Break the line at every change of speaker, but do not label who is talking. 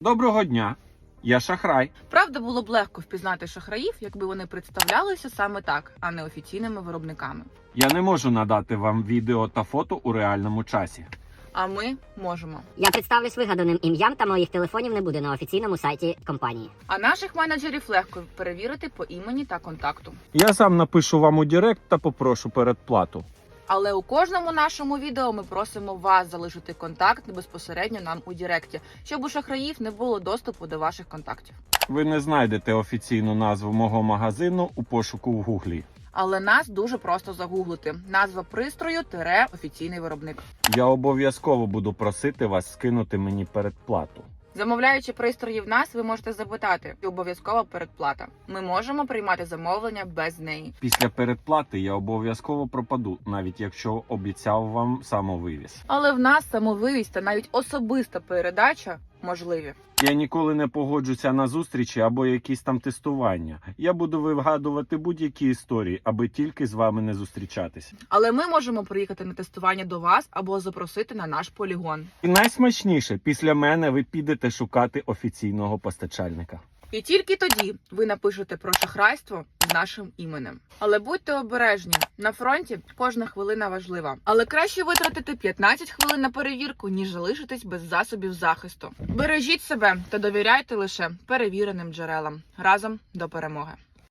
Доброго дня, я шахрай.
Правда, було б легко впізнати шахраїв, якби вони представлялися саме так, а не офіційними виробниками.
Я не можу надати вам відео та фото у реальному часі.
А ми можемо.
Я представлюсь вигаданим ім'ям та моїх телефонів не буде на офіційному сайті компанії.
А наших менеджерів легко перевірити по імені та контакту.
Я сам напишу вам у Директ та попрошу передплату.
Але у кожному нашому відео ми просимо вас залишити контакт безпосередньо нам у Директі, щоб у шахраїв не було доступу до ваших контактів.
Ви не знайдете офіційну назву мого магазину у пошуку в Гуглі.
Але нас дуже просто загуглити. Назва пристрою – офіційний виробник.
Я обов'язково буду просити вас скинути мені передплату.
Замовляючи пристрої в нас, ви можете запитати, чи обов'язкова передплата. Ми можемо приймати замовлення без неї.
Після передплати я обов'язково пропаду, навіть якщо обіцяв вам самовивіз.
Але в нас самовивіз та навіть особиста передача можливі.
Я ніколи не погоджуся на зустрічі або якісь там тестування. Я буду вигадувати будь-які історії, аби тільки з вами не зустрічатися.
Але ми можемо приїхати на тестування до вас або запросити на наш полігон.
І найсмачніше, після мене ви підете шукати офіційного постачальника.
І тільки тоді ви напишете про шахрайство з нашим іменем. Але будьте обережні, на фронті кожна хвилина важлива. Але краще витратити 15 хвилин на перевірку, ніж залишитись без засобів захисту. Бережіть себе та довіряйте лише перевіреним джерелам. Разом до перемоги!